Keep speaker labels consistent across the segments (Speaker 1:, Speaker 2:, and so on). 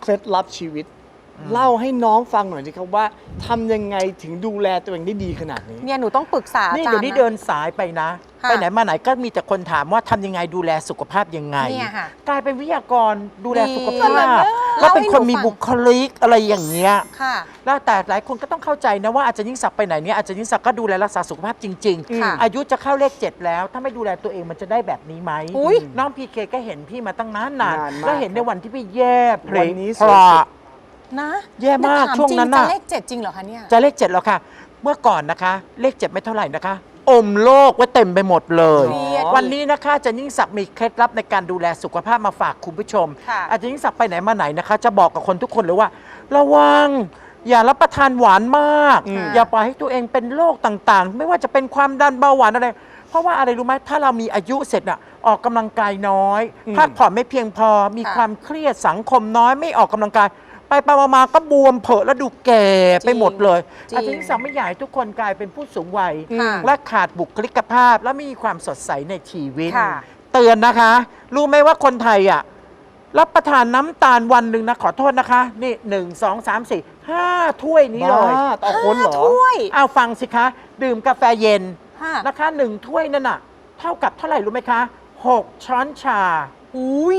Speaker 1: เคล็ดลับชีวิตเล่าให้น้องฟังหน่อยสิครับว่าทำยังไงถึงดูแลตัวเองได้ดีขนาดนี้
Speaker 2: เนี่ยหนูต้องปรึกษาอา
Speaker 3: นี่
Speaker 2: จาร
Speaker 3: เดี๋ยว
Speaker 2: ย์
Speaker 3: นี้
Speaker 2: นะ
Speaker 3: เดินสายไปนะ
Speaker 2: ค่ะ
Speaker 3: ไปไหนมาไหนก็มีแต่คนถามว่าทำยังไงดูแลสุขภาพยังไง
Speaker 2: เนี่ยค่ะ
Speaker 3: กลายเป็นวิทยากรดูแลสุข
Speaker 2: ดี
Speaker 3: ภาพ
Speaker 2: เล่า
Speaker 3: แล้วเป็นคน
Speaker 2: ให้หนู
Speaker 3: มี
Speaker 2: ฟัง
Speaker 3: บุคลิกอะไรอย่างเงี้ย
Speaker 2: ค่ะ
Speaker 3: แล้วแต่หลายคนก็ต้องเข้าใจนะว่าอาจารย์ยิ่งศักดิ์ไปไหนเนี่ยอาจารย์ยิ่งศักดิ์ก็ดูแลรักษาสุขภาพจริง
Speaker 2: ค่ะ
Speaker 3: ๆ อายุจะเข้าเลข 7 แล้ว ถ้าไม่ดูแลตัวเองมันจะได้แบบนี้ไหม
Speaker 2: อุ๊ย
Speaker 3: น้องพีเคก็เห็นพี่มาตั้งนาน
Speaker 1: นานมาก
Speaker 3: แล้วเห็นในวันที่พี่แย่เพล
Speaker 1: วัน
Speaker 3: ง
Speaker 1: นี้
Speaker 3: พลา
Speaker 2: นะ
Speaker 3: แย่มาก
Speaker 2: ถ
Speaker 3: ช่วงนั้น
Speaker 2: จริ
Speaker 3: น่ะ
Speaker 2: จะเลข7จริงเหรอคะเนี่ย
Speaker 3: จะเลข 7แล้วค่ะ เมื่อก่อนนะคะเลข 7 ไม่เท่าไหร่นะคะ อมโลกไว้เต็มไปหมดเลย
Speaker 2: เครียด
Speaker 3: วันนี้นะคะอาจารย์ยิ่งศักดิ์มีเคล็ดลับในการดูแลสุขภาพมาฝากคุณผู้ชม
Speaker 2: ค่ะ
Speaker 3: อาจารย์ยิ่งศักดิ์ไปไหนมาไหนนะคะ จะบอกกับคนทุกคนเลยว่า ระวังอย่ารับประทานหวานมาก อย่าปล่อยให้ตัวเองเป็นโรคต่างๆ ไม่ว่าจะเป็นความดันเบาหวานอะไร เพราะว่าอะไรรู้ไหมถ้าเรามีอายุเสร็จอะออกกำลังกายน้อยพักผ่อนไม่เพียงพอมี
Speaker 2: ค่ะ
Speaker 3: ความเครียดสังคมน้อยไม่ออกกำลังกาย ไปมาๆก็บวมเผอะแล้วดูแก่ไปหมดเลย
Speaker 2: จริง
Speaker 3: อาจารย์ยิ่งศักดิ์ไม่อยากให้ทุกคนกลายเป็นผู้สูงวัย
Speaker 2: ค่ะ
Speaker 3: และขาดบุคลิกภาพ และไม่มีความสดใสในชีวิต
Speaker 2: ค่ะ
Speaker 3: เตือนนะคะ รู้ไหมว่าคนไทยอ่ะรับประทานน้ำตาลวันหนึ่งนะขอโทษนะคะ นี่1 2 3 4 5 ถ้วยนี้เลย
Speaker 1: บ้าต่อคนเหรอ
Speaker 2: ถ้วย
Speaker 3: เอาฟังสิคะ ดื่มกาแฟเย็น
Speaker 2: ค่ะ
Speaker 3: นะคะ1 ถ้วยนั่นน่ะ เท่ากับเท่าไหร่รู้ไหมคะ 6 ช้อนชา
Speaker 2: อุ้ย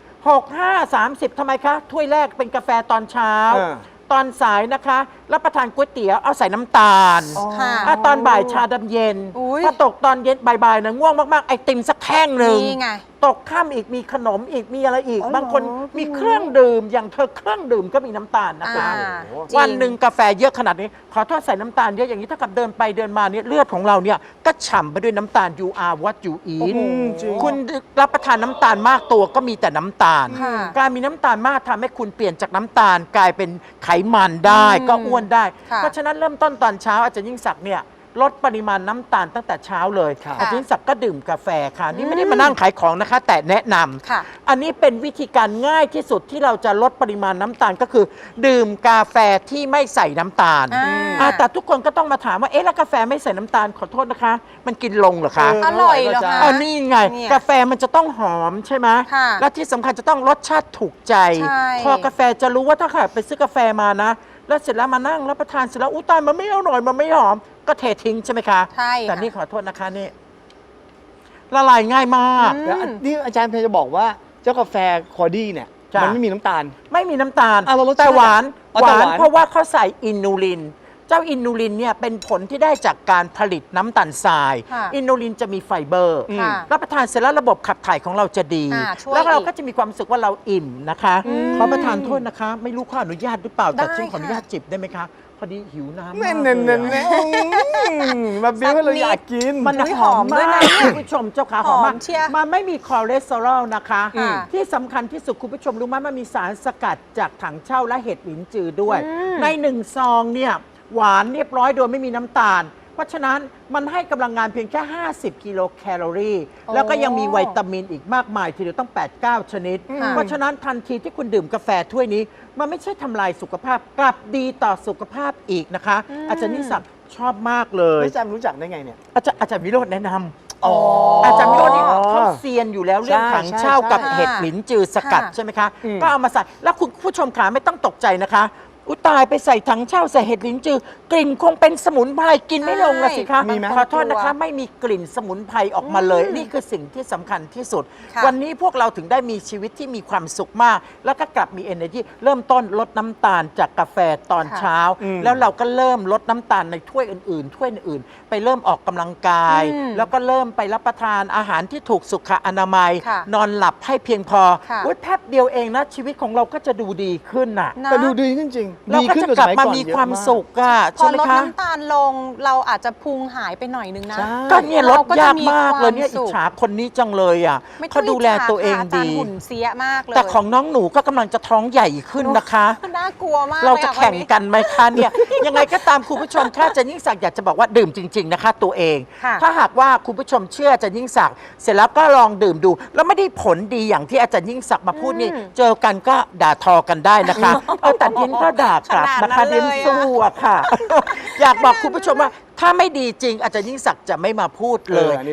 Speaker 3: 6 5 30ทำไมคะ ถ้วยแรกเป็นกาแฟตอนเช้า ตอนสายนะคะรับประทานก๋วยเตี๋ยวเอาใส่น้ำตาล
Speaker 2: ค่ะ
Speaker 3: ตอนบ่ายชาดำเย็น
Speaker 2: อุ๊ย
Speaker 3: พอตกตอนเย็นบ่ายๆนะง่วงมากๆไอติมสักแท่งหนึ่ง
Speaker 2: นี่ไง
Speaker 3: ตกค่ำอีกมีขนมอีกมีอะไรอีก
Speaker 1: อ๋อเหรอ
Speaker 3: บางคนมีเครื่องดื่มอย่างเธอเครื่องดื่มก็มีน้ำตาลนะคะ
Speaker 2: อ่า
Speaker 3: วันหนึ่งกาแฟเยอะขนาดนี้ ขอโทษใส่น้ำตาลเยอะอย่างนี้เท่ากับเดินไปเดินมาเนี่ยเลือดของเราเนี่ยก็ฉ่ำไปด้วยน้ำตาล you are what you eat
Speaker 1: จริง
Speaker 3: คุณรับประทานน้ำตาลมากตัวก็มีแต่น้ำตาล
Speaker 2: ค่ะ
Speaker 3: การมีน้ำตาลมากทำให้คุณเปลี่ยนจากน้ำตาลกลายเป็นไขมันได้ก็อ้วนได้
Speaker 2: ค่ะ
Speaker 3: เพราะฉะนั้นเริ่มต้นตอนเช้าอาจารย์ยิ่งศักดิ์เนี่ยลดปริมาณน้ำตาลตั้งแต่เช้าเลย
Speaker 1: ครับ
Speaker 3: อาจารย์ยิ่งศักดิ์ก็ดื่มกาแฟค่ะนี่ไม่ได้มานั่งขายของนะคะ แต่แนะนำ
Speaker 2: ค่ะ
Speaker 3: อันนี้เป็นวิธีการง่ายที่สุดที่เราจะลดปริมาณน้ำตาลก็คือ ดื่มกาแฟที่ไม่ใส่น้ำตาล แต่ทุกคนก็ต้องมาถามว่าเอ๊ะแล้วกาแฟไม่ใส่น้ำตาลขอโทษนะคะ มันกินลงเหรอคะ
Speaker 2: อร่อยเหรอคะ
Speaker 3: อันนี้ไง
Speaker 2: เนี่ย
Speaker 3: กาแฟมันจะต้องหอมใช่ไหม
Speaker 2: ค่ะ
Speaker 3: และที่สำคัญจะต้องรสชาติถูกใจ
Speaker 2: ใช่
Speaker 3: พอกาแฟจะรู้ว่าถ้าใครไปซื้อกาแฟมานะ แล้วเสร็จแล้วมานั่งรับประทานเสร็จแล้วอุ้ยตายมันไม่อร่อยมันไม่หอม ก็เททิ้งใช่ไหมคะ
Speaker 2: ใช่ค่ะ
Speaker 3: แต่นี่ขอโทษนะคะนี่ละลายง่ายมาก
Speaker 1: แล้วนี่อาจารย์เพยจะบอกว่าเจ้ากาแฟคอดี้เนี่ย
Speaker 3: จ้ะ
Speaker 1: มันไม่มีน้ำตาล
Speaker 3: ไม่มีน้ำตาล
Speaker 1: แล้วรสชาติ
Speaker 3: แต่หวาน
Speaker 1: อ๋อ
Speaker 3: ห
Speaker 1: แต่
Speaker 3: วา
Speaker 1: หวาน
Speaker 3: นเพราะว่าเขาใส่อินูลิน เจ้าอินูลินเนี่ยเป็นผลที่ได้จากการผลิตน้ำตาลทราย
Speaker 2: ค่ะ
Speaker 3: อินูลินจะมีไฟเบอร์
Speaker 2: ค่ะ
Speaker 3: รับประทานเสร็จแล้วระบบขับถ่ายของเราจะดี
Speaker 2: ช่วย
Speaker 3: แล้วเรา
Speaker 2: อีก
Speaker 3: ก็จะมีความรู้สึกว่าเราอิ่มนะคะ ขอประทานโทษนะคะ ไม่รู้ข้ออนุญาตหรือเปล่า แต่
Speaker 2: ได้
Speaker 3: ฉันขออนุญาต
Speaker 2: ค่ะ
Speaker 3: จิบได้ไหมคะ พอดีหิวน้ำ
Speaker 1: แน่
Speaker 3: มาก
Speaker 1: น
Speaker 3: เลย
Speaker 1: เน่น
Speaker 3: อะ
Speaker 1: มาบิ้วให้เราอยากกิน
Speaker 3: มัน
Speaker 2: อุ๊ย
Speaker 3: หอม
Speaker 2: หอมด้วย
Speaker 3: มาก
Speaker 2: นะ
Speaker 3: คุณผู้ชมเจ้าขาหอมมาก
Speaker 2: หอมเชียร์
Speaker 3: มันไม่มีคอเลสเตอรอลนะคะ
Speaker 2: ค่ะ
Speaker 3: ที่สำคัญที่สุดคุณผู้ชมรู้ไหมมันมีสารสกัดจากถังเช่าและเห็ดหลินจือด้วย ใน1 ซองเนี่ยหวานเรียบร้อยโดยไม่มีน้ำตาล เพราะฉะนั้นมันให้กำลังงานเพียงแค่ 50 กิโลแคลอรี่ แล้วก็ยังมีวิตามินอีกมากมายทีเดียวต้อง 8-9 ชนิด
Speaker 2: ค่ะ
Speaker 3: เพราะฉะนั้นทันทีที่คุณดื่มกาแฟถ้วยนี้ มันไม่ใช่ทำลายสุขภาพกลับดีต่อสุขภาพอีกนะคะ อาจารย์นิสักชอบมากเลย
Speaker 1: อาจารย์รู้จักได้ไงเนี่ย
Speaker 3: อาจารย์วิโรจน์แนะนำ
Speaker 1: อ๋อ
Speaker 3: อาจารย์วิโรจน์นี่เขาเซียนอยู่แล้วเรื่อง
Speaker 1: ใช่
Speaker 3: ถังเช่า
Speaker 1: ใช่
Speaker 3: กับ
Speaker 2: ใช่
Speaker 3: เห็ดหลินจือสกัด
Speaker 2: ค่ะ
Speaker 3: ใช่ไหมคะ ก็เอามาใส่ แล้วคุณผู้ชมขาไม่ต้องตกใจนะคะ อุยตายไปใส่ถังเช่าใส่เห็ดหลินจือกลิ่นคงเป็นสมุนไพรกินไม่ลงละสิคะ
Speaker 1: มีไหม
Speaker 3: ขอโทษนะคะ ไม่มีกลิ่นสมุนไพรออกมาเลย นี่คือสิ่งที่สำคัญที่สุด
Speaker 2: ค่ะ
Speaker 3: วันนี้พวกเราถึงได้มีชีวิตที่มีความสุขมาก แล้วก็กลับมี energy เริ่มต้นลดน้ำตาลจากกาแฟตอนเช้า แล้วเราก็เริ่มลดน้ำตาลในถ้วยอื่นๆ ถ้วยอื่นๆ ไปเริ่มออกกำลังกาย แล้วก็เริ่มไปรับประทานอาหารที่ถูกสุขอนามัย
Speaker 2: ค่ะ
Speaker 3: นอนหลับให้เพียงพอ
Speaker 2: ค่ะ
Speaker 3: อุ๊ยแป๊บเดียวเองนะชีวิตของเราก็จะดูดีขึ้นน่ะ
Speaker 2: นะ
Speaker 1: แต่ดูดีขึ้นจริง
Speaker 3: เรา
Speaker 1: ดี
Speaker 3: ก็
Speaker 1: ขึ้น
Speaker 3: จะ
Speaker 1: ว่า
Speaker 3: กลับ
Speaker 1: สย
Speaker 3: มา
Speaker 1: อน
Speaker 3: มี
Speaker 1: เยอะ
Speaker 3: ความ
Speaker 1: ก
Speaker 3: สุขอะ
Speaker 2: พอ
Speaker 3: ใช่ไหม
Speaker 2: ลด
Speaker 3: คะ
Speaker 2: น้ำตาลลงเราอาจจะพุงหายไปหน่อยนึงนะ
Speaker 1: ใช่
Speaker 3: ก็เนี่ยลด
Speaker 2: เราก็จะ
Speaker 3: ยาก
Speaker 2: มี
Speaker 3: มากเลยเนี่ย
Speaker 2: ความสุ
Speaker 3: อิจ
Speaker 2: ข
Speaker 3: ฉาคนนี้จังเลยอ่ะ
Speaker 2: ไม่ต้
Speaker 3: เขา
Speaker 2: อง
Speaker 3: ดูแล
Speaker 2: จฉ
Speaker 3: ตัวเอง
Speaker 2: ค่ะาจาร
Speaker 3: ดี
Speaker 2: ย์หุ่นเสียมากเลย
Speaker 3: แต่ของน้องหนูก็กำลังจะท้องใหญ่ขึ้นนะคะ
Speaker 2: น่ากลัวมาก
Speaker 3: เราจะ
Speaker 2: ลยอ
Speaker 3: แข่ง
Speaker 2: วันนี้
Speaker 3: กันไหมคะเนี่ย ยังไงก็ตามคุณผู้ชมค่ะอาจารย์ยิ่งศักดิ์อยากจะบอกว่าดื่มจริง ๆนะคะ ตัวเอง
Speaker 2: ค่ะ
Speaker 3: ถ้าหากว่าคุณผู้ชมเชื่ออาจารย์ยิ่งศักดิ์เสร็จแล้วก็ลองดื่มดู แล้วไม่ได้ผลดีอย่างที่อาจารย์ยิ่งศักดิ์มาพูดนี่เจอกันก็ด่าทอกันได้นะคะแต่ดินก็ด่ากลับนะคะ
Speaker 2: ขนาดนั้น
Speaker 3: ดิน
Speaker 2: เลยอะ
Speaker 3: สู้อะค่ะ อยากบอกคุณผู้ชมว่าถ้าไม่ดีจริงอาจารย์ยิ่งศักดิ์จะไม่มาพูดเลย
Speaker 1: อันนี้